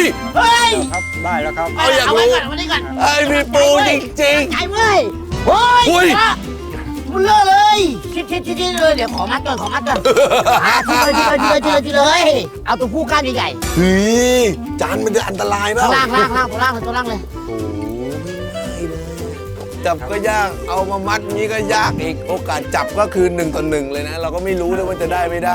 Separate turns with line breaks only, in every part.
เฮ้ย
ครับได้แล้วครับ
เอาอยากรู้เอาไว้ก่อน
ไอ้มีปูจริง
ใช่เว้ยเฮ้ย
อุ้ย
มันเลอะเลยชิดเลยเดี๋ยวขอมัดก่อนทีเลย เอาตัวผู้ก้านใหญ่
ๆเฮ้ยจานมันจะอันตราย
ๆ
เปล่า
ล่างตัวล่างเลย
โอ้โหไม่ง่ายเลยจับก็ยากเอามามัดนี้ก็ยากอีกโอกาสจับก็คือ1 ต่อ 1เลยนะ เราก็ไม่รู้เลยว่าจะได้ไม่ได้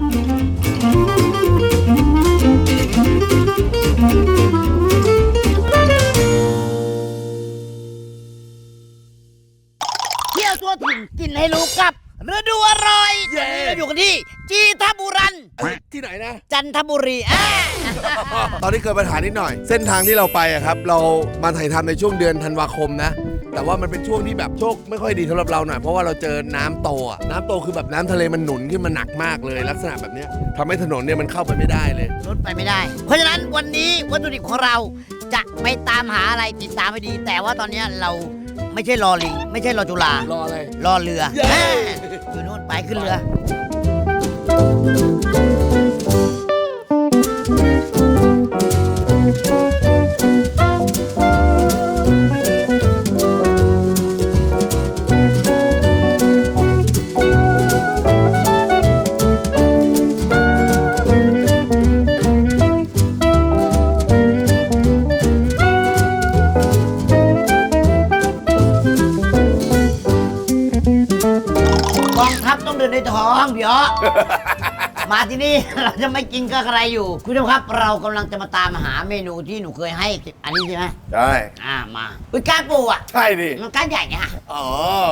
เที่ยวตัวถิ่นกินให้รู้กับฤดูอร่อย
เย้
เราอยู่กันที่จีทบุรัน
ที่ไหนนะ
จันทบุรี
ตอนนี้เกิดปัญหานิดหน่อย เส้นทางที่เราไปอะครับ เรามาถ่ายทำในช่วงเดือนธันวาคมนะ แต่ว่ามันเป็นช่วงที่แบบโชคไม่ค่อยดีสำหรับเราหน่อยเพราะว่าเราเจอน้ำโตอะน้ำโตคือแบบน้ำทะเลมันหนุนขึ้นมาหนักมากเลย ลักษณะแบบเนี้ยทำให้ถนนเนี่ยมันเข้าไปไม่ได้เลย
รถไปไม่ได้ เพราะฉะนั้นวันนี้วัตถุดิบของเราจะไปตามหาอะไรติดตามให้ดี แต่ว่าตอนนี้เราไม่ใช่รอลิง ไม่ใช่รอจุฬาร
ออะไร
รอเรือ
เย้
อยู่นู่นไปขึ้นเรือ กองทัพต้องเดินด้วยท้องพี่อ๋อ มาที่นี่ เราจะไม่กินก็อะไรอยู่ คุณผู้ชมครับเรากำลังจะมาตามหาเมนูที่หนูเคยให้ อันนี้ใช่ไหม
ใช่
มาอุ้ยก้านปูอ่ะ
ใช่ดิ
มันก้านใหญ่ไง
อ๋อ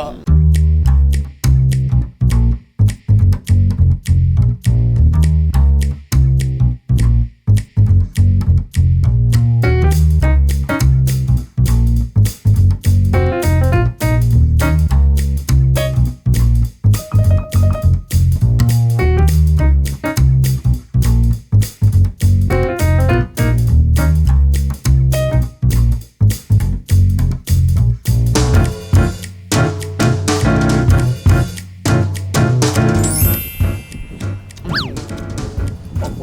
โอ้โห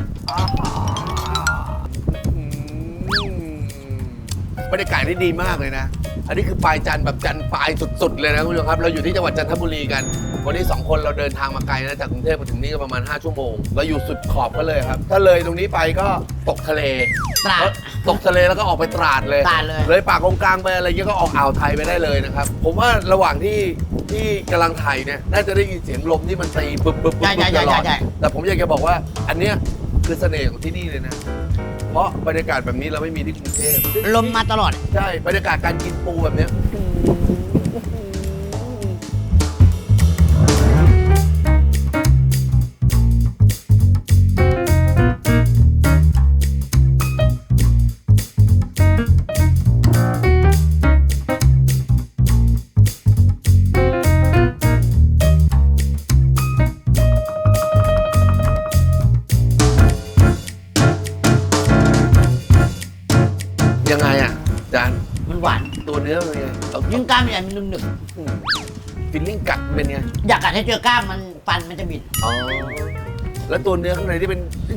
บรรยากาศที่ดีมากเลยนะ อันนี้คือปลายจันทร์แบบจันทร์ปลายสุดๆเลยนะคุณผู้ชมครับ เราอยู่ที่จังหวัดจันทบุรีกัน วันนี้2 คนเราเดินทางมาไกลนะจากกรุงเทพมาถึงนี่ก็ประมาณ5 ชั่วโมง เราอยู่สุดขอบก็เลยครับ ถ้าเลยตรงนี้ไปก็ตกทะเล
ตราด
ตกทะเลแล้วก็ออกไปตราดเลย
ตราดเลย
เลยปากกลางไปอะไรเงี้ยก็ออกอ่าวไทยไปได้เลยนะครับ ผมว่าระหว่างที่กำลังถ่ายเนี่ยน่าจะได้ยินเสียงลมที่มันตีบึ๊บบึ๊บบึ๊บ
ใช่
ตลอด
ใช่
แต่ผมอยากจะบอกว่าอันเนี้ยคือเสน่ห์ของที่นี่เลยนะ เพราะบรรยากาศแบบนี้เราไม่มีที่กรุงเทพ
ลมมาตลอด
ใช่บรรยากาศการกินปูแบบเนี้ย ยังไงอ่ะจาน
มันหวาน
ตัวเนื้อเป็นไงเอา
ยิ่งกล้ามใหญ่มันหนึบ
ฟิลลิ่งกัดเป็นไง
ๆอยากกัดให้เจอกล้ามมันฟันมันจะบิด
อ๋อแล้วตัวเนื้อข้างในที่เป็น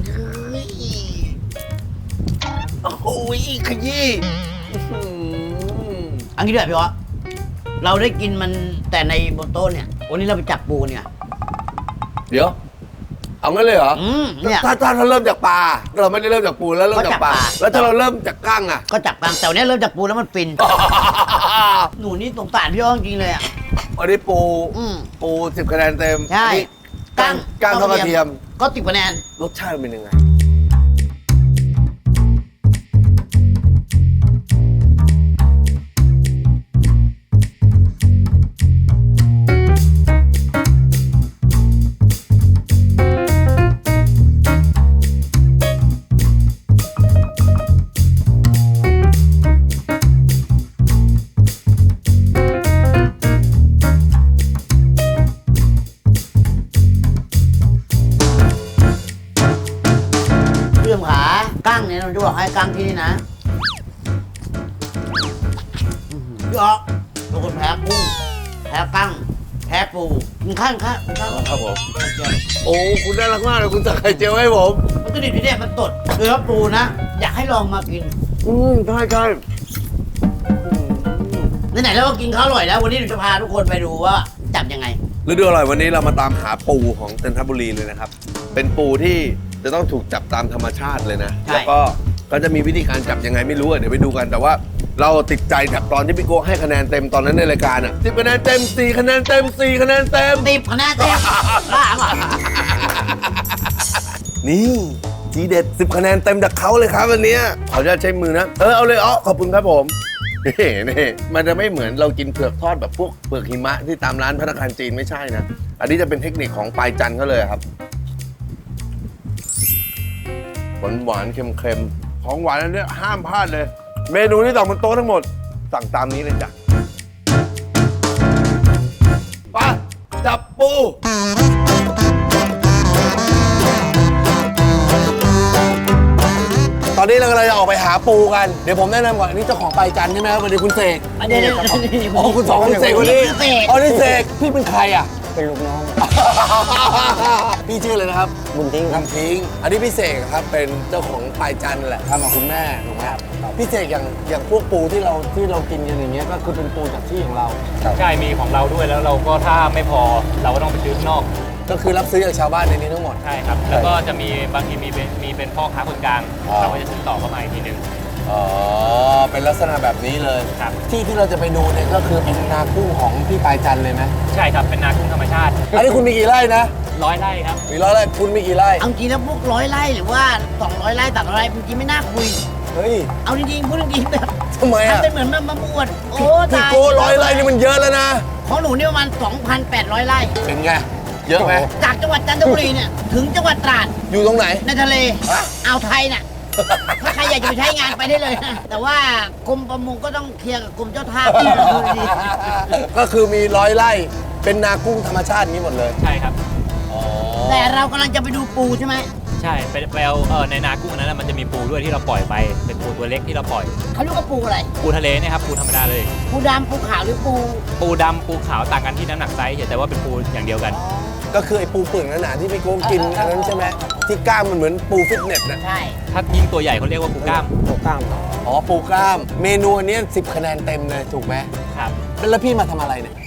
โอ้โหขยี้อื้อหือ
อันนี้ด้วยพี่อ๋อเราได้กินมันแต่ในบนโต๊ะเนี่ย วันนี้เราไปจับปูเนี่ย
เดี๋ยว เอางั้นเลยเหรอ
เนี่ย
ถ้าเริ่มจากปลาเราไม่ได้เริ่มจากปูแล้วเริ่มจากปลา
ก็จากปลา
แล้วถ้าเราเริ่มจากกั้งอ่ะ
ก็จับกลางแต่วันนี้เริ่มจากปูแล้วมันฟิน หนูนี่สงสารพี่อ๋อจริงๆเลยอ่ะ
วันนี้ปู
อืม
ปู10 คะแนนเต็ม
ใช่
นี่กั้งทอดกระเทียม
ก็10 คะแนน
รสชาติมันเป็นยังไง
พี่ชมขากั้งเนี่ยเราจะบอกให้กั้งที่นี่นะพี่อ๋อเป็นคนแพ้กุ้งแพ้กั้งแพ้ปูกินข้าว
ครับผมโอ้คุณน่ารักมากเลยคุณสั่งไข่เจียวให้ผม
วัตถุดิบที่เนี่ยมันสดเนื้อปูนะ อยากให้ลองมากิน
ใช่ใช่
ไหนๆเราก็กินข้าวอร่อยแล้ว วันนี้เราจะพาทุกคนไปดูว่าจับยังไง
ฤดูอร่อยวันนี้เรามาตามหาปูของจันทบุรีเลยนะครับ เป็นปูที่จะต้องถูกจับตามธรรมชาติเลยนะ
ใช่
แล้วก็จะมีวิธีการจับยังไงไม่รู้อะเดี๋ยวไปดูกัน แต่ว่าเราติดใจจากตอนที่พี่โก้ให้คะแนนเต็มตอนนั้นในรายการอ่ะ10 คะแนนเต็ม 4 คะแนนเต็ม 4 คะแนนเต็ม
10 คะแนนเต็มบ้าเปล่ะ
นี่ทีเด็ด 10 คะแนนเต็มจากเขาเลยครับวันเนี้ยขออนุญาตใช้มือนะ เอาเลยขอบคุณครับผมนี่มันจะไม่เหมือนเรากินเผือกทอดแบบพวกเผือกหิมะที่ตามร้านภัตตาคารจีนไม่ใช่นะ อันนี้จะเป็นเทคนิคของปลายจันทร์เขาเลยครับ หวานๆเค็มๆ ของหวานอันเนี้ยห้ามพลาดเลย เมนูที่สั่งบนโต๊ะทั้งหมด สั่งตามนี้เลยจ้ะไปจับปู ตอนนี้เรากำลังจะออกไปหาปูกัน เดี๋ยวผมแนะนำก่อนอันนี้เจ้าของปลายจันทร์ใช่ไหมครับวันนี้คุณเสก
เดี๋ยว
อ๋อคุณสองคุณเสกวันนี้
เสก
อ๋อนี่เสกพี่เป็นใครอ่ะ
เป็นลูกน้อง
พี่ชื่ออะไรนะครับ
บุญทิ้งครับ
คำทิ้ง อันนี้พี่เสกครับเป็นเจ้าของปลายจันทร์แหละทำกับคุณแม่ถูกไหมครับพี่เสกอย่างพวกปูที่เรากินกันอย่างเงี้ยก็คือเป็นปูจากที่ของเรา
ใช่มีของเราด้วยแล้วเราก็ถ้าไม่พอเราก็ต้องไปซื้อข้างนอก
ก็คือรับซื้อจากชาวบ้านในนี้ทั้งหมด
ใช่ครับ แล้วก็จะมีบางทีมีเป็นพ่อค้าคนกลาง
อ๋อ
เราก็จะซื้อต่อเข้ามาอีกทีหนึง
อ๋อเป็นลักษณะแบบนี้เลย
ครับ
ที่เราจะไปดูเนี่ยก็คือเป็นนากุ้งของพี่ปลายจันทร์เลยไหม
ใช่ครับเป็นนากุ้งธรรมชาติ
อันนี้คุณมีกี่ไร่นะ
100 ไร่ครับ
มี100 ไร่คุณมีกี่ไร่
เอาจริงแล้วพวก100 ไร่หรือว่า200 ไร่300 ไร่จริงๆไม่น่าคุย
เฮ้ย
เอาจริงๆพูดจริงๆแบบ
ทำไมอ่ะ
ทำเป็นเหมือนมาบวชโอ้
พี่
ตาย
โก้100 ไร่นี่มันเยอะแล้วนะ
ของหนูเนี่ยประมาณ 2,800 ไร่
เป็นไง เยอะไหม
จากจังหวัดจันทบุรีเนี่ยถึงจังหวัดตราด
อยู่ตรงไหน
ในทะเลอ่าวไทยน่ะ ถ้าใครอยากจะไปใช้งานไปได้เลยนะแต่ว่ากรมประมงก็ต้องเคลียร์กับกรมเจ้าท่าที่เราดูดี
ก็คือมี100 ไร่เป็นนากุ้งธรรมชาตินี้หมดเลย
ใช่ครับ
แต่เรากำลังจะไปดูปูใช่ไหม
ใช่ไปเอาในนากุ้งนั้นนะมันจะมีปูด้วยที่เราปล่อยไปเป็นปูตัวเล็กที่เราปล่อย
เขาเรียกว่าปูอะไร
ปูทะเลเนี่ยครับปูธรรมดาเลย
ปูดำปูขาวหรือปู
ปูดำปูขาวต่างกันที่น้ำหนักไซส์แต่ว่าเป็นปูอย่างเดียวกัน
ก็คือไอ้ปูเปลือกหนาๆที่พี่โก้กินอันนั้นใช่ไหมที่กล้ามมันเหมือนปูฟิตเนสนะ
ใช่
ถ้ายิ่งตัวใหญ่เขาเรียกว่าปูกล้าม
โปรกล้ามครับ
อ๋อปูกล้าม เมนูอันนี้10 คะแนนเต็มเลยถูกไหม
ครับ
แล้วพี่มาทำอะไรเนี่ย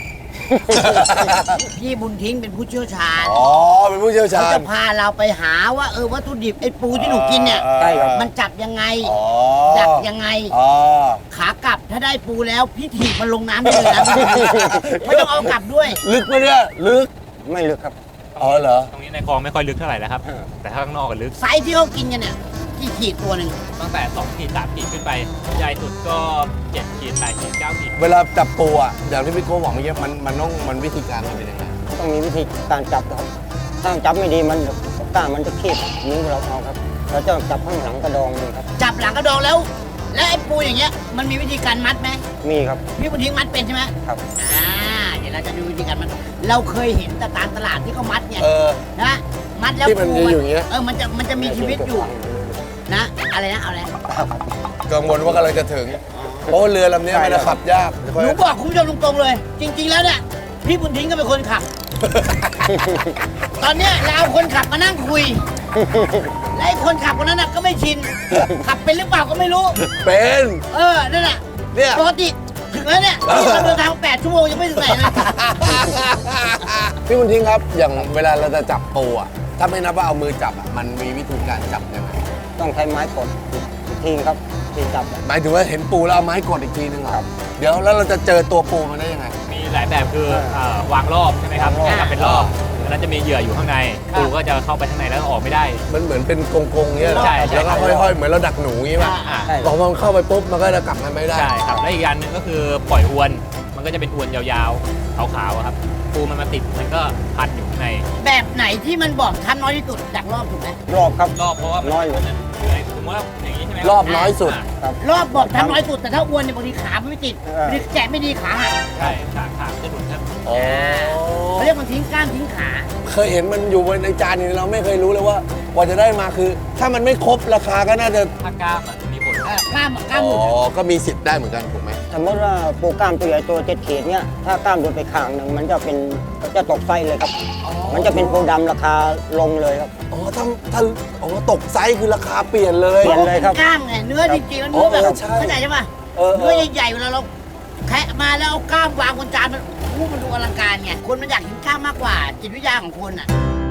พี่บุญทิ้งเป็นผู้เชี่ยวชาญ
อ๋อเป็นผู้เชี่ยว
เขา
ชาญ
จะพาเราไปหาว่าวัตถุดิบไอ้ปูที่หนูกินเนี่ย
ใช่ครับ
มันจับยังไง
อ๋อ
ดักยังไง
อ๋อ
ขากลับถ้าได้ปูแล้วพี่ถีบมันลงน้ำได้เลยนะ ไม่ต้องเอากลับด้วย
ลึกไหมเนี่ยลึก
ไม่ลึกครับ
อ๋อเหรอ
ตรงนี้ในคลองไม่ค่อยลึกเท่าไหร่แล้วครับ แต่ถ้าข้างนอกก็ลึก
ไซส์ที่เขากินกันเนี่ยกี่ขีดตัวหนึ่ง
ตั้งแต่2 ขีด 3 ขีดขึ้นไป ใหญ่สุดก็7 ขีด 8 ขีด 9 ขีด
เวลาจับปูอ่ะอย่างที่พี่โก้บอกเมื่อกี้มันวิธีการมันเป็นยังไง
ต้องมีวิธีการจับครับ ถ้าจับไม่ดีมันกล้ามมันจะคีบนิ้วเราเอาครับ เราจะจับข้างหลังกระดองมันครับ
จับหลังกระดองแล้ว และไอ้ปูอย่างเงี้ยมันมีวิธีการมัดไหม
มีครับ
พี่บุญทิ้งมัดเป็นใช่ไหม
ครับ
เดี๋ยวเราจะดูวิธีการมัดเราเคยเห็นแต่ตามตลาดที่เขามัดเนี่ย
เออ
นะมัดแล้ว
ที่มัน
ปู
จะอยู่อย่างเงี้ย
มันจะมีชีวิตอยู่นะอะไรนะเอาอะไร
กังวลว่ากำลังจะถึง เพราะว่าเรือลำนี้มันจะขับยาก
หนูบอกคุณผู้ชมตรงๆเลย จริง ๆแล้วเนี่ยพี่บุญทิ้งก็เป็นคนขับ ตอนเนี้ยเราเอาคนขับมานั่งคุยและไอ้คนขับคนนั้นน่ะก็ไม่ชิน ขับเป็นหรือเปล่าก็ไม่รู้
เป็น
นั่นแหละ
เนี่ย
ปกติถึงแล้วเนี่ยเราเดินทาง8 ชั่วโมงยังไม่ถึงไหนเลย
พี่บุญทิ้งครับ อย่างเวลาเราจะจับปูอ่ะ ถ้าไม่นับว่าเอามือจับอ่ะ มันมีวิธีการจับยังไง
ต้องใช้ไม้กดอีกทีครับที่จับ
หมายถึงว่าเห็นปูแล้วเอาไม้กดอีกทีนึงเหรอเดี๋ยวแล้วเราจะเจอตัวปูมันได้ยังไง
มีหลายแบบคือวางรอบใช่ไหมครับ
วางรอบ
จับเป็นรอบแล้วจะมีเหยื่ออยู่ข้างในปูก็จะเข้าไปข้างในแล้วออกไม่ได้
มันเหมือนเป็นกงๆเงี้ยเหรอ
ใช่
แล้วก็ห้อยๆ เหมือนเราดักหนูงี้ป่ะ
อ่า
ใช่
พอมันเข้าไปปุ๊บมันก็จะกลับมาไม่ได้
ใช่ครับ และอีกอย่างหนึ่งก็คือปล่อยอวน มันก็จะเป็นอวนยาวๆ ขาวๆอะครับ ปูมันมาติดมันก็พันอยู่ข้างใน
แบบไหนที่มันบอกทำน้อยที่สุดดักรอบถูกไหม
รอบครับ
รอบเพราะว่า
น้อยอยู่
สมมติว่าอย่างนี้ใช่ไหม
รอบน้อยสุด
ครับ
รอบบอกทำน้อยสุดแต่ถ้าอวนเนี่ยบางทีขามันไม่ติด
เออ
บางทีแกะไม่ดีขาหัก
ใช่ขาจะหลุดครับ
อ๋อ
เขาเรียกมันทิ้งกล้ามทิ้งขา
เคยเห็นมันอยู่บนในจานนี้เราไม่เคยรู้เลยว่ากว่าจะได้มาคือ ถ้ามันไม่ครบราคาก็น่าจะ
ถ้ากล้ามอะมีผล
กล้าม
อ๋
ห
อ
มุน
ก็มีสิทธิ์ได้เหมือนกันถูกไหม
สมมติว่าปูกล้ามตัวใหญ่ตัว7 ขีดเนี่ยถ้ากล้ามโดนไปข้างหนึ่งมันจะตกไซส์เลยครับ มันจะเป็นปูดำราคาลงเลยครับ
อ๋อถ้าอ๋อตกไซส์คือราคาเปลี่ยนเลย
เปลี่ยนเลยครับ
กล้ามไงเนื้อจริงๆแล้วเนื้อแบบ
ใช่
เข้าใจใช่ปะ
เออ
เนื้อใหญ่ๆเวลาเราแคะมาแล้วเอากล้ามวางบนจานมันดูอลังการไงคนมันอยากกินกล้ามมากกว่าจิตวิทยาของคนอ่ะ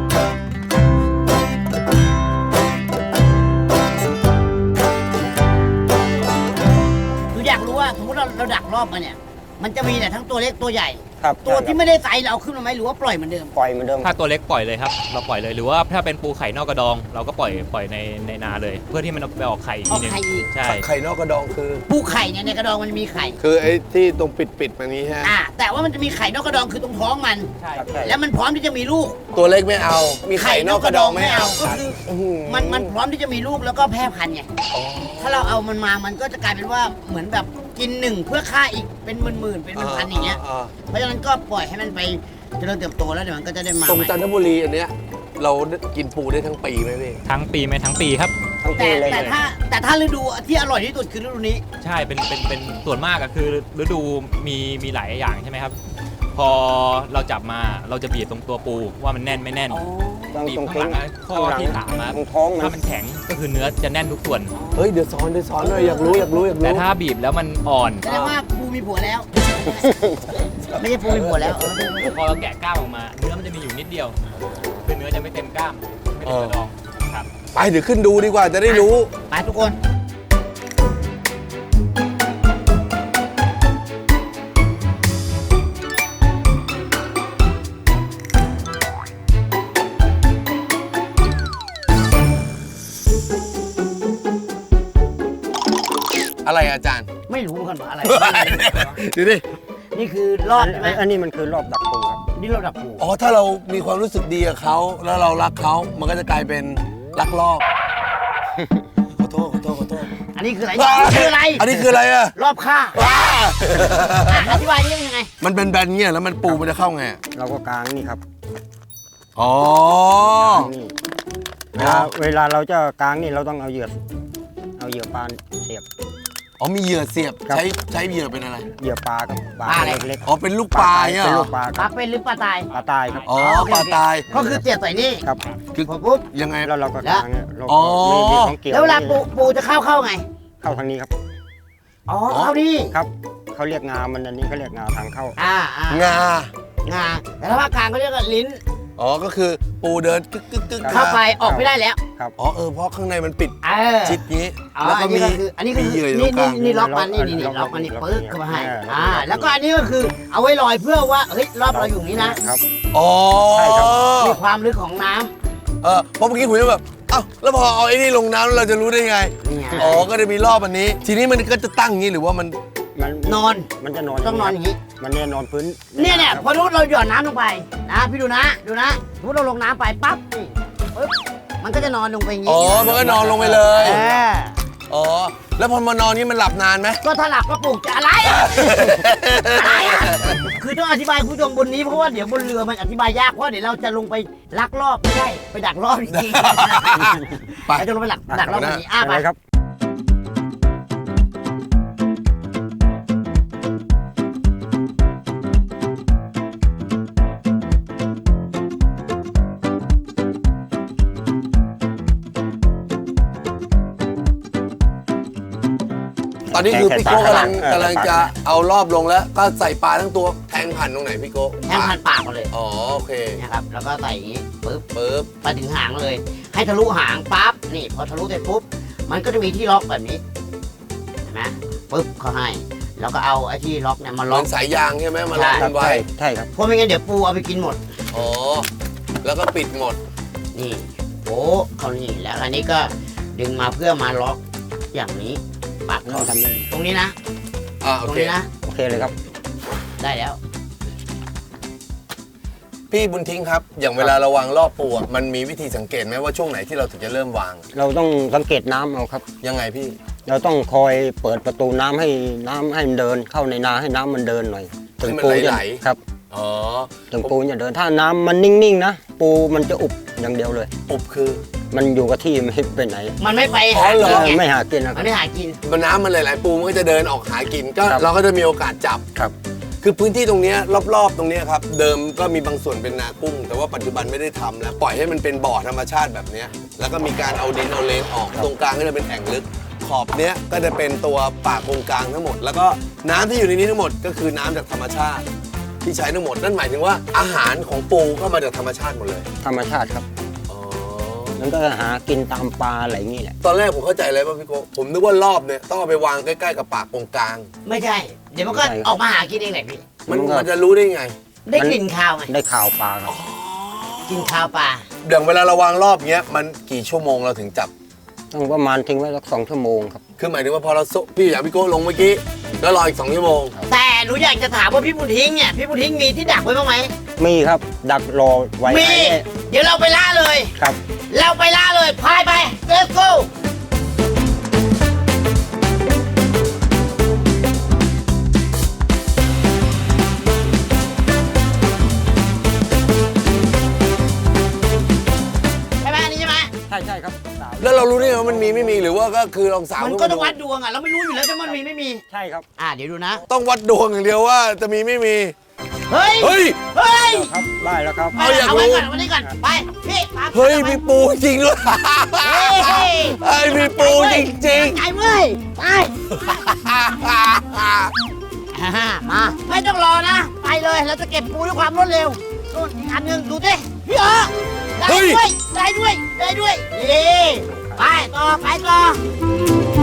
คืออยากรู้ว่าสมมติเราดักรอบมาเนี่ย มันจะมีแต่ทั้งตัวเล็กตัวใหญ่
ครับ
ตัวที่ไม่ได้ไซส์เราเอาขึ้นมาไหมหรือว่าปล่อยเหมือนเดิม
ปล่อยเหมือนเดิม
ถ้าตัวเล็กปล่อยเลยครับ เราปล่อยเลยหรือว่าถ้าเป็นปูไข่นอกกระดอง เราก็ปล่อยในนาเลย เพื่อที่มันไปออกไข่อีกทีหนึง
ออกไข่อีก
ใช่
ไข่นอกกระดองคือ
ปูไข่เนี่ยในกระดองมันมีไข่
คือไอ้ที่ตรงปิดมานี้ฮะ
แต่ว่ามันจะมีไข่นอกกระดองคือตรงท้องมัน
ใช่
ครับใช่
แล้วมันพร้อมที่จะมีลูก
ตัวเล็กไม่เอา มีไข่นอกกระดองไม่เอา
ก็คือ
อื้อหือ
มันพร้อมที่จะมีลูกแล้วก็แพร่พันธุ์ไง
อ๋อ
ถ้าเราเอามันมามันก็จะกลายเป็นว่าเหมือนแบบกินหนึ่งเพื่อฆ่าอีกเป็นหมื่นๆเป็นพันๆอย่างเงี้ย เพราะฉะนั้นก็ปล่อยให้มันไปเจริญเติบโตแล้วเดี๋ยวมันก็จะได้มา
ตรง
ใหม่
จันทบุรีอันเนี้ยเรากินปูได้ทั้งปีไหมพี่
ทั้งปีไหมทั้งปีครับ
ทั้ง
แต่
ปีเลย
แต่ถ้าฤดูที่อร่อยที่สุดคือฤดูนี้
ใช่เป็นส่วนมากอะคือฤดูมีหลายอย่างใช่ไหมครับ พอเราจับมาเราจะบีบตรงตัวปูว่ามันแน่นไม่แน่น
ต้อง
บีบ
ตรง
ข้างหลังอะข้อที่สามครับ
ตรงท้องมัน
ถ้ามันแข็งก็คือเนื้อจะแน่นทุกส่วน
เฮ้ยเดี๋ยวสอนหน่อยอยากรู้
แต่ถ้าบีบแล้วมันอ่อน
แสดงว่าปูมีผัวแล้ว ไม่ใช่ปูมีผัวแล้ว
พอเราแกะกล้ามออกมา เนื้อมันจะมีอยู่นิดเดียว คือเนื้อจะไม่เต็มกล้ามไม่เต็มกระดองครับ
ไปเดี๋ยวขึ้นดูดีกว่าจะได้รู้
ไปทุกคน
อะไรอาจารย์
ไม่รู้กันว่าอะไร
ดูดิ
นี่คือรอดใช่ไหม
อันนี้มันคือรอบดักปูครับ
นี่รอดดับปู
อ๋อถ้าเรามีความรู้สึกดีกับเขาแล้วเรารักเขามันก็จะกลายเป็นรักรอบ ขอโทษ
อันนี้คืออะไรคืออะไร
อันนี้คืออะไรอะ
รอบฆ่า
ว้า
อธิบายนี่ยังไง
มันเป็นแบนเงี้ยแล้วมันปูมันจะเข้าไงอะ
เราก็กางนี่ครับ
อ๋อก
างนี่เวลาเราจะกางนี่เราต้องเอาเหยื่อปลาเสียบ
อ๋อมีเหยื่อเสียบ
ครับ
ใช้เหยื่อเป็นอะไร
เหยื่อปลาครับปลา
ปลาอะไร
เล็ก
อ๋อเป็นลูก
ๆ
ปลาเนี่ย
เป็น
เหร
ลู
อก
ปลา
ป
ค
ลา
รับ
เป็นหรือปลาตาย
ปลาตายครับ
อ๋อ
โอเค
ปลาตาย
ก็คือเสียบใส่นี่
ครับ
คือ
พอปุ๊บ
ยังไง
แล้วเราก็กางเนี่ยเรา
อ๋อ
มีของเกี่ยว
แล้วเวลาปูจะเข้าไง
เข้าทางนี้ครับ
อ๋อเข้านี่
ครับเขาเรียกงามันอันนี้เขาเรียกงาทางเข้า
งา
งาแต่ถ้าภาคกลางเขาเรียกว่าลิ้น
อ๋อก็คือปูเดินกึก
เข้าไปออกไม่ได้แล้ว
อ๋อเพราะข้างในมันปิด
เออ
ชิดงี้
อ๋อ
แล้วก็มี
อันนี้ก็
มี
คือ
เหยื่ออยู่ตร
นี่
งกลาง
นี่ล็อกมันนี่
ล็อก
ล็อกมันนี่
ล็อก
ปึ๊กเข้ามาให้
ล็อก
แล้วก็อันนี้ก็คือเอาไว้ลอยเพื่อว่าเฮ้ยรอบเราอยู่นี้นะ
ครับ
อ๋อ
ใช่ครับ
มีความลึกของน้
เพราะเมื่อกี้ผมจะแบบเอ้าแล้วพอเอาไอ้นี่ลงน้ำเราจะรู้ได้ไง
ำนี่ไง
อ๋อก็จะมีรอบอันนี้ ทีนี้มันก็จะตั้งอย่างนี้หรือว่ามัน
มัน
นอน
มันจะนอน
ต้องนอนอย่างนี้
มันเนี่ยนอนพื้น
เนี่ยพอรู้เราหย่อนน้ำลงไปนะพี่ดูนะสมมติเราลงน้ำไปปั๊บนี่ปึ๊บมันก็จะนอนลงไปอย่างนี้
อ๋อมันก็นอนลงไปเลย
เออ
อ๋อแล้วพอมานอนนี่มันหลับนานไหม
ก็ถ้าหลับก็ปลุกจะอะไรอ่ะ อะไรอ่ะคือต้องอธิบายคุณผู้ชมบนนี้เพราะว่าเดี๋ยวบนเรือมันอธิบายยากเพราะเดี๋ยวเราจะลงไปลักรอบไม่ใช่ไปดักรอบจริงๆ
ไป
เราจะลงไปดักรอบแบบนี้ไป
อะไรครับ
ตอนนี้คือพี่โก้กำลัง
เออก
ำลังจะเอารอบลงแล้ว ก็ใส่ปลาทั้งตัวแทงผ่านตรงไหนพี่โก้
แทงผ่านปากมาเลย
อ๋อโอเค
นะครับแล้วก็ใส่อย่างนี้ปึ๊บ
ปึ๊บ
ไปถึงหางเลย ให้ทะลุหางปั๊บนี่พอทะลุเสร็จปุ๊บมันก็จะมีที่ล็อกแบบนี้เห็นไหมปึ๊บเขาให้ แล้วก็เอาไอ้ที่ล็อกเนี่ยมา
เห
ล็
มื
อ
อก นสายยางใช่ไหมมาล็อก
ครั
กับ นไว้
ใช่ครับ
เพราะไม่งั้นเดี๋ยวปูเอาไปกินหมด
อ๋อแล้วก็ปิดหมด
นี่โอ้เขานี่แล้วอันนี้ก็ดึงมาเพื่อมาล็อกอย่างนี้ปาก
เราทำได้ดี
ตรงนี้นะ
โอ
ตรง
เค
นี้นะ
โอเคเลยครับ
ได้แล้ว
พี่บุญทิ้งครับ อย่างเวลาเราวางรอบปูอะมันมีวิธีสังเกตไหมว่าช่วงไหนที่เราถึงจะเริ่มวาง
เราต้องสังเกตน้ำเอาครับ
ยังไงพี่
เราต้องคอยเปิดประตูน้ำให้มันเดินเข้าในนาให้น้ำมันเดินหน่อย
ให้มัน
ปู
ไหล
จะครับ
อ๋อ
ถึงปูจะเดินถ้าน้ำมันนิ่งๆนะปูมันจะอุบอย่างเดียวเลย
ปุบคือ
มันอยู่กับที่ไม่ไปไหน
มันไม่ไป
อ๋
หา
อเหรอ
กินไง
ไม่หากินนะค
มั
รั
น
บ
ไม่หากิน
มันน้ำมันหลายๆปูมันก็จะเดินออกหากินก็
ครับ
เราก็จะมีโอกาสจับ
ครับ
คือพื้นที่ตรงเนี้ยรอบๆตรงเนี้ยครับเดิมก็มีบางส่วนเป็นนากุ้ง แต่ว่าปัจจุบันไม่ได้ทำแล้วปล่อยให้มันเป็นบ่อธรรมชาติแบบเนี้ยแล้วก็มีการเอาดินเอาเลนออกตรงกลางก็จะเป็นแอ่งลึกขอบเนี้ยก็จะเป็นตัวป่ากงกลางทั้งหมด แล้วก็น้ำที่อยู่ในนี้ทั้งหมดก็คือน้ำจากธรรมชาติ ที่ใช้ทั้งหมดนั่นหมายถึงว่าอาหารของปูก็มาจากธรรมชาติหมดเลย
ธรรมชาติครับ
อ๋อ
มันก็หากินตามปลาอะไรอย่างนี้แหละ
ตอนแรกผมเข้าใจเลยว่าพี่โกผมนึกว่ารอบเนี่ยต้องเอาไปวางใกล้ๆกับปากกงกลาง
ไม่ใช่ เดี๋ยวมันก็
ไม่ใช่
ออกมาหากินเองแหละพี่
มันจะรู้ได้ไง
ได้กลิ่นคาวไง
ได้ข่าวปลาครับ
กลิ่นคาวปลา
อย่างเวลาเราวางรอบเงี้ยมันกี่ชั่วโมงเราถึงจับ
ต้องประมาณทิ้งไว้สัก2 ชั่วโมงครับ
คือหมายถึงว่าพอเราพี่อยากพี่โก้ลงเมื่อกี้แล้วรออีก2 ชั่วโมง
แต่หนูอยากจะถามว่าพี่บุญทิ้งเนี่ยพี่บุญทิ้งมีที่ดักไว้บ้างไหม
มีครับดักรอไว้
มี
ให้
เดี๋ยวเราไปล่าเลย
ครับ
เราไปล่าเลยพายไป let's go ใช่ไหมอันนี้ใช่ไหม
ใช่ครับสาว
แล้วเรารู้ได้ไงว่ามันมีไม่มีหรือว่าก็คือลองสาว
มันก็ต้องวัดดวงอ่ะเราไม่รู้อยู่แล้วว่ามันมีไม่มี
ใช่ครับ
เดี๋ยวดูนะ
ต้องวัดดวงอย่างเดียวว่าจะมีไม่มี
เฮ้ย
เฮ้ย
เฮ้ย
ครับได้แล้วครับ
เอาอยาก
เอาไว้
รู้
ก่อนเอาไว้นี่ก่อนไปพี่ตาม
เฮ้ย
ไป
มีปูจริงด้วย
เฮ้ย
เฮ้ยมีปูจริง
ไอ้เว้ยไป
ๆ
มาไม่ต้องรอนะ ไปเลยเราจะเก็บปูด้วยความรวดเร็วนู่นอีกอันหนึ่งดูสิพี่เออได้ด้วยได้ด้วยได้ด้วยนี่ไปต่อไปต่อ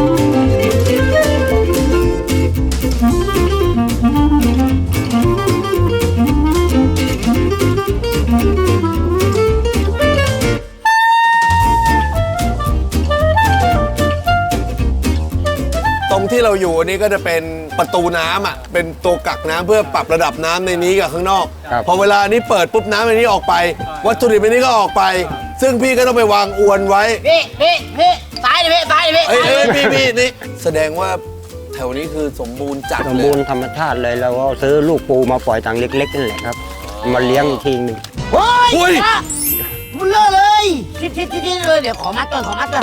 ตรงที่เราอยู่อันนี้ก็จะเป็นประตูน้ำอ่ะเป็นตัวกักน้ำเพื่อปรับระดับน้ำในนี้กับข้างนอก
ครับ
พอเวลานี้เปิดปุ๊บน้ำในนี้ออกไป วัตถุดิบในนี้ก็ออกไป ซึ่งพี่ก็ต้องไปวางอวนไว้
พี่ซ้ายดิพี่ซ้ายดิพี่
เอ้ยพี่นี่แสดงว่าแถวนี้คือสมบูรณ์จัด
สม
เล
บูร
ย
ณ์ธรรมชาติเลยเราก็ซื้อลูกปูมาปล่อยทางเล็กๆนั่นแหละครับ มาเลี้ยงอีกทีหนึง
เฮ้
อุ้
ย
ย
มันเลอะเลยทิศเลยเดี๋ยวขอมัดก่อน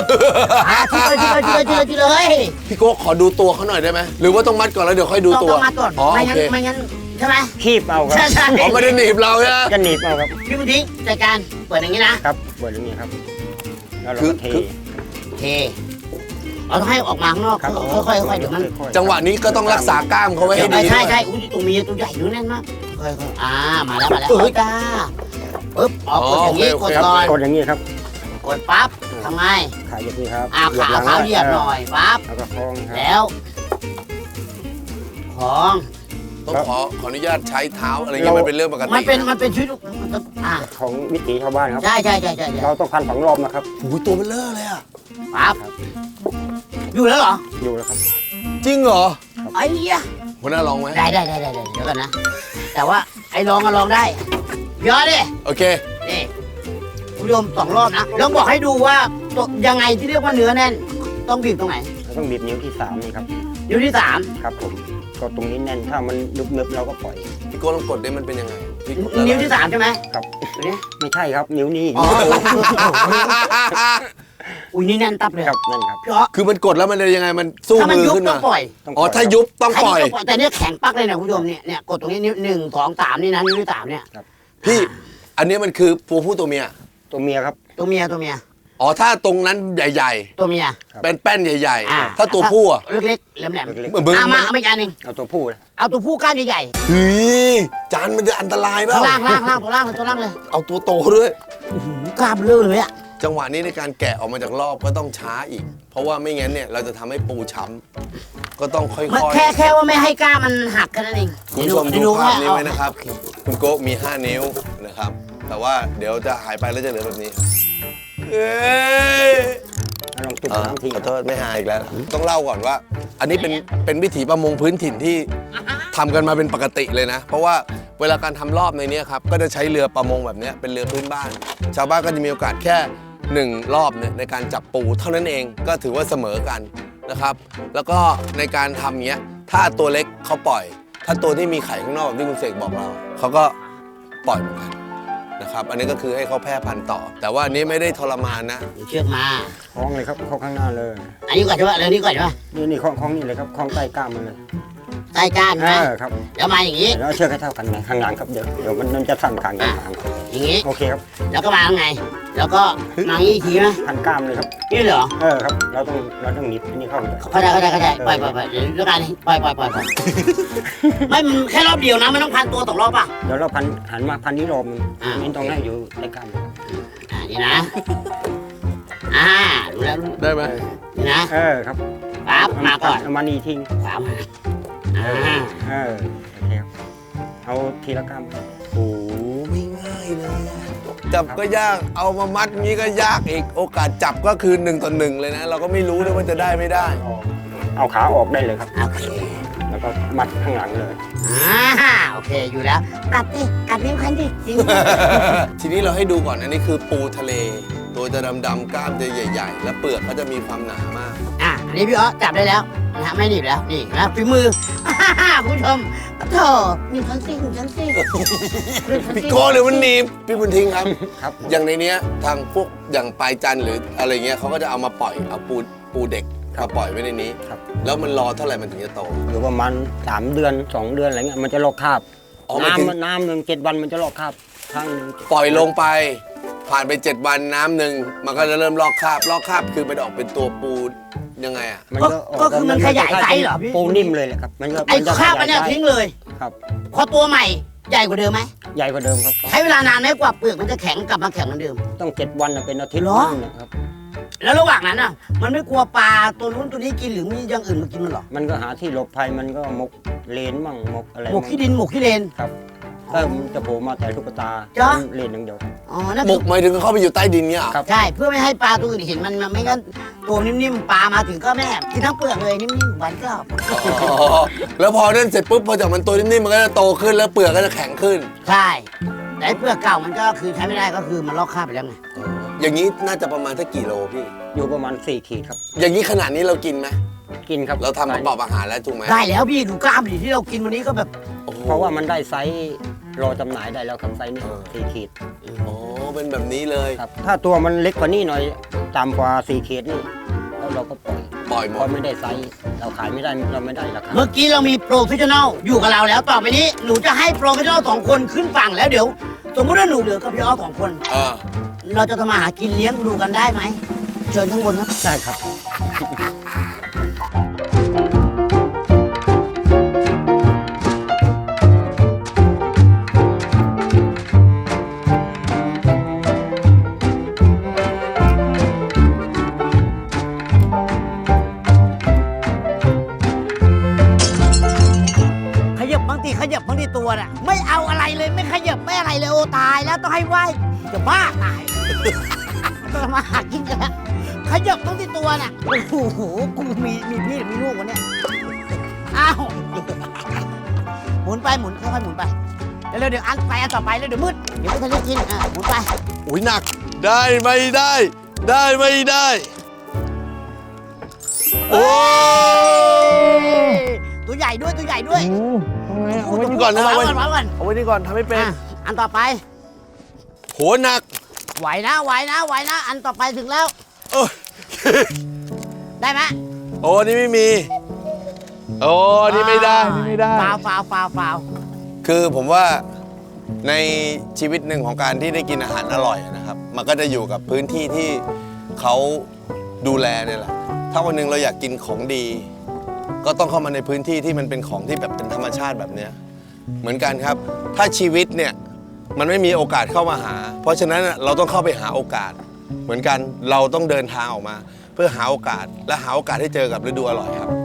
ทิศเลย
พี่โก้ขอดูตัวเขาหน่อยได้ไหมหรือว่าต้องมัดก่อนแล้วเดี๋ยวค่อยดูตัว
ต้องมัดก่อน
อ๋อ
ไม่
โอ
งั้น
เค
ไม่งั้นใช่ไหม
คีบเอาครับ
ใช่
อ๋อไม่ได้หนีบเราใช่ไหม
จะหนีบเอาครับ
พี่บุญทิ้งจัดการเปิดอย่างนี้นะครับ
เปิดอย่างนี้ครับ แล้วเรา
คือ
ก็เท
คือ
เทเราต้องให้ออกมาข้างนอก
ครับ
ค่อยๆเดี๋ยวมัน
จังหวะนี้ก็ต้องรักษากล้ามเขาไว้ให้ดี
ใช่
ด้วย
ใช่อุ้ยตัวเมียตัวใหญ่ดูแน่นมากค่อยๆมาแล้วเฮ้ยจ้าปึ๊บออกกดอย่างนี้กด
ครับ
ก่อน
กดอย่างนี้ครับ
กดปั๊บทำไง
ขาอย่างนี้ครับ
ขาเท้าเหยียบหน่อยปั๊บ
แล้วก็คล้องครับ
แล้วของ
ต้องขออนุญาตใช้เท้าอะไรเงี้ยมันเป็นเรื่องปกติ
มันเป็นชีวิตมันต้อง
ของวิถีชาวบ้านครับ
ใช่
เราต้องพัน2 รอบนะครับ
โอ้ยตัวมันเลอะเลยอ่ะ
ปั๊บอยู่แล้วเหรอ
อยู่แล้วครับ
จริงเหรอ
ไอ้เหี้ย
หัวหน้าลองไหม
ได้เดี๋ยวกันนะ แต่ว่าไอ้ลองก็ลองได้เยอะดิ
โอเค
นี่คุณผู้ชม2 รอบนะลองบอกให้ดูว่าตัวยังไงที่เรียกว่าเนื้อแน่น ต้องบีบตรงไหน
เราต้องบีบนิ้วที่3นี่ครับ
นิ้วที่
ครับผมก็ตรงนี้แน่น ถ้ามันนึบๆเราก็ปล่อย
พี่โก้ลองกดได้มันเป็นยังไงพี่กด
3นิ้วที่3ใช่ไหม
ครับ
ตัวนี้
ไม่ใช่ครับ นิ้วนี้
อ๋อ อุ้ยนี่แน่นตับเลย
ครับนั่นครับ
เพราะ
คือมันกดแล้วมันจะยังไงมันสู้
ถ้ามัน
มือ
ยุบ
ขึ้น
ต้อ
มาง
ปล่อย
อ๋อถ้ายุบต้องปล่อย
แต่เนี่ยแข็งปักเลยนะคุณผู้ชมเนี่ยกดตรงนี้นิ้ว1 2 3นี่นะนิ้วที่3เนี่ย
พี่ อันนี้มันคือตัวผู้ตัวเมีย
ตัวเมียครับ
ตัวเมีย
อ๋อถ้าตรงนั้นใหญ่
ตัวเมีย
ครับ
ๆเป็นแป้นใหญ่
อ่า
ๆ ถ้าตัวผู้อ่ะ
เล็กๆแหลม
เล็ก
เหมือน
ๆมาเอาอีกอันหนึ่ง
เอาตัวผู้นะ
เอาตัวผู้ก้านใหญ่
เฮ้ยจานมันจะอันตราย
ๆ
เปล่า
ข้างล่างตัวล่างเลย
เอาตัวโตด้วย
กล้ามเลื่อนเลยอ่ะ
จังหวะนี้ในการแกะออกมาจากรอบก็ต้องช้าอีก เพราะว่าไม่งั้นเนี่ยเราจะทำให้ปูช้ำก็ต้องค่อย
แค่ว่าไม่ให้กล้ามมันหักแค่นั้นเอง
ๆคุณผู้ชมดูภาพนี้ไว้นะครับ คุณโก้มี 5 นิ้วนะครับ แต่ว่าเดี๋ยวจะหายไปแล้วจะเหลือแบบนี้เอ้ย
แล้วลองจุ่มน้ำทิ้ง
ขอโทษไม่หายอีกแล้ว ต้องเล่าก่อนว่า อันนี้เป็นวิถีประมงพื้นถิ่นที่ทำกันมาเป็นปกติเลยนะ เพราะว่าเวลาการทำรอบในเนี้ยครับก็จะใช้เรือประมงแบบเนี้ยเป็นเรือพื้นบ้าน ชาวบ้านก็จะมีโอกาสแค่1 รอบเนี่ยในการจับปูเท่านั้นเองก็ถือว่าเสมอกันนะครับ แล้วก็ในการทำเนี้ยถ้าตัวเล็กเขาปล่อย ถ้าตัวที่มีไข่ข้างนอกแบบที่คุณเสกบอกเราเขาก็ปล่อยเหมือนกันนะครับ อันนี้ก็คือให้เขาแพร่พันธุ์ต่อ แต่ว่าอันนี้ไม่ได้ทรมานนะ
เชือกมา
คล้องเลยครับเข้าข้างหน้าเลย
อันนี้ก่อนใช่ปะเรื่องนี้ก่อนใช่ปะ
นี่คล้องนี่เลยครับคล้องใต้กล้ามมันเลย
ใต้ก้าน
เอ
นะ
อครับ
แล้วมาอย่างนี้
แล้วเชือกให้เท่ากันนะข้างหลังครับเดี๋ยวมันจะสั่นขางกันหาง
อย่างนี้
โอเคครับ
แล้วก็มาข้างในแล้วก็มาอย่างนี้อีกทีนะ
พันกล้ามเลยครับ
นี่เหรอ
ครับเราต้องหนีบอันนี้เข้า
เข้าใจปล่อยเดี๋ยวเรื่องการปล่อยไม่มันแค่รอบเดียวนะไม่ต้องพันตัวตกรอบป่ะ
เดี๋ยวเราหันมาพันนี้รอบนึง
อ่า
นี่ต้องให้อยู่ใต้กล้ามครับ
นี่นะรู้แล้ว
ได้ไหม
นี่นะ
ครับ
ปั๊บมาก่อน
เอามานี่ทิ้ง
ขวามา
โอเคครับเอาทีละกล้าม
โอ้ไม่ง่ายเลยอะจับก็ยาก เอามามัดงี้ก็ยากอีก โอกาสจับก็คือ1 ต่อ 1เลยนะ เราก็ไม่รู้ด้วยว่าจะได้ไม่ได้
เอาขาออกได้เลยครับ
โอเค
แล้วก็มัดข้างหลังเลย
โอเคอยู่แล้วกัดดิกัดนิ้วคันดิจริง
ทีนี้เราให้ดูก่อนอันนี้คือปูทะเล ตัวจะดำๆกล้ามจะใหญ่ ๆ และเปลือกก็จะมีความหนามาก
อันนี้พี่อ๋อจับได้แล้วนะฮะไม่หนีบแล้วนี่นะฝีมือคุณผู้ชมโธ่นี่ฉันสิ
พี่โก้หรือมันหนีบพี่บุญทิ้งครับ
ครับ
อย่างในเนี้ยทางพวกอย่างปลายจันทร์หรืออะไรเงี้ยเขาก็จะเอามาปล่อยเอาปูเด็กมาปล่อยไว้ในนี้
ครับ
แล้วมันรอเท่าไหร่มันถึงจะโต
อยู่ประมาณ3 เดือน 2 เดือนอะไรเงี้ยมันจะลอกคราบ
อ๋อหมายถึง
น้ำหนึ่ง7 วันมันจะลอกคราบครั้งหนึ่ง
ปล่อยลงไปผ่านไป7 วันน้ำหนึ่งมันก็จะเริ่มลอกคราบคือมันออกเป็นตัวปูยังไงอ่ะ
มัน
ก็คือมันขยายไซส์เหรอพี่
ปูนิ่มเลยแหละครับมันก็
ไอ้
จะ
ข้าวมันเนี่ย
ขยายไซส์
ทิ้งเลย
ครับ
พอตัวใหม่ใหญ่กว่าเดิมไหม
ใหญ่กว่าเดิมครับ
ใช้เวลานานไหมกว่าเปลือกมันจะแข็งกลับมาแข็งเหมือนเดิม
ต้อง7 วันน่ะเป็นอาทิตย์
เหรอ
นึงนะครับ
แล้วระหว่างนั้นอ่ะ มันไม่กลัวปลาตัวนู้นตัวนี้กินหรือมีอย่างอื่นมากินมันหรอ
มันก็หาที่หลบภัยมันก็หมกเลนมั่งหมกอะไร
หมกขี้ดินหมกขี้เลน
ครับก็มันจะโผล่มาแต่ลูกตา
จ๊ะ
เลนอย่างเดียว
อ๋อนั่น
หม
คื
ก
อ
หมายถึงเข้าไปอยู่ใต้ดินเนี่ยเหรอ
ครับ
ใช่เพื่อไม่ให้ปลาตัวอื่นเห็นมันไม่งั้นตัวนิ่มๆปลามาถึงก็แม่กินทั้งเปลือกเลยนิ่มๆหวานกรอบ
อ๋อแล้วพอนั่นเสร็จปุ๊บพอจากมันตัวนิ่มๆมันก็จะโตขึ้นแล้วเปลือกก็จะแข็งขึ้น
ใช่แต่ไอ้เปลือกเก่ามันก็คือใช้ไม่ได้ก็คือมันลอกคราบไปแล้วไง
อย่างนี้น่าจะประมาณสักกี่โลพี่
อยู่ประมาณ4 ขีดครับ
อย่างนี้ขนาดนี้เรากินไหม
กินครับ
เราทำประกอบอาหารแล้วถูกไหม
ได้แล้วพี่ดูกล้ามดิที่เรากินวันนี้ก็แบบ
โอ้โห
เพราะว่ามันได้ไซส์รอจำหน่ายได้แล้วครับไซส์นี้4 ขีด
อ๋อเป็นแบบนี้เลย
ครับถ้าตัวมันเล็กกว่านี้หน่อยต่ำกว่า4 ขีดนี่แล้วเราก็ปล่อย
ปล่อยหม
เพราะ
ด
ไม่ได้ไซส์เราขายไม่ได้เราไม่ได้ราคา
เมื่อกี้เรามีโปรเฟชชั่นอลอยู่กับเราแล้วต่อไปนี้หนูจะให้โปรเฟชชั่นอล2 คนขึ้นฝั่งแล้วเดี๋ยวสมมติว่าหนูเหลือกับพี่อ้อ2 คน
เออ
เราจะทำมาหากินเลี้ยงดูกันได้ไหมเชิญข้างบนครับ
ใช่ครับ
ขยับบางทีตัวน่ะไม่เอาอะไรเลยไม่ขยับไม่อะไรเลยโอ้ตายแล้วต้องให้ไหวจะบ้าตายต้องทำมาหากินกันแล้วขยับบางทีตัวน่ะโอ้โหกูมีพี่หรือมีลูกวะเนี่ยอ้าวหมุนไปหมุนค่อยๆหมุนไปเร็วๆเดี๋ยวอันไปอันต่อไปแล้วเดี๋ยวมืดเดี๋ยวไม่ทันได้กินหมุนไป
อุ้ยหนักได้ไม่ได้ ได้ไม่ได้ โอ้
ตัวใหญ่ด้วยตัวใหญ่ด้วย
เอาไว้นี่ก่อนนะ
เอา
เอา
ไว้
ไว้
ก่อนไว้ก่อน
เอาไว้นี่ก่อนทำไม่เป็น
อันต่อไป
โหหนัก
ไหวนะไหวนะไหวนะ อันต่อไปถึงแล้ว
โอ้ย
ได้ไหม
โอ้นี่ไม่มี โอ้นี่ไม่ได้นี่ไม่ได้
ฟาวฟาวฟาวฟาว
คือผมว่าในชีวิตหนึ่งของการที่ได้กินอาหารอร่อยนะครับ มันก็จะอยู่กับพื้นที่ที่เขาดูแลเนี่ยแหละ ถ้าวันหนึ่งเราอยากกินของดี ก็ต้องเข้ามาในพื้นที่ที่มันเป็นของที่แบบเป็นธรรมชาติแบบเนี้ยเหมือนกันครับ ถ้าชีวิตเนี่ยมันไม่มีโอกาสเข้ามาหา เพราะฉะนั้นเราต้องเข้าไปหาโอกาส เหมือนกันเราต้องเดินทางออกมา เพื่อหาโอกาสและหาโอกาสให้เจอกับฤดูอร่อยครับ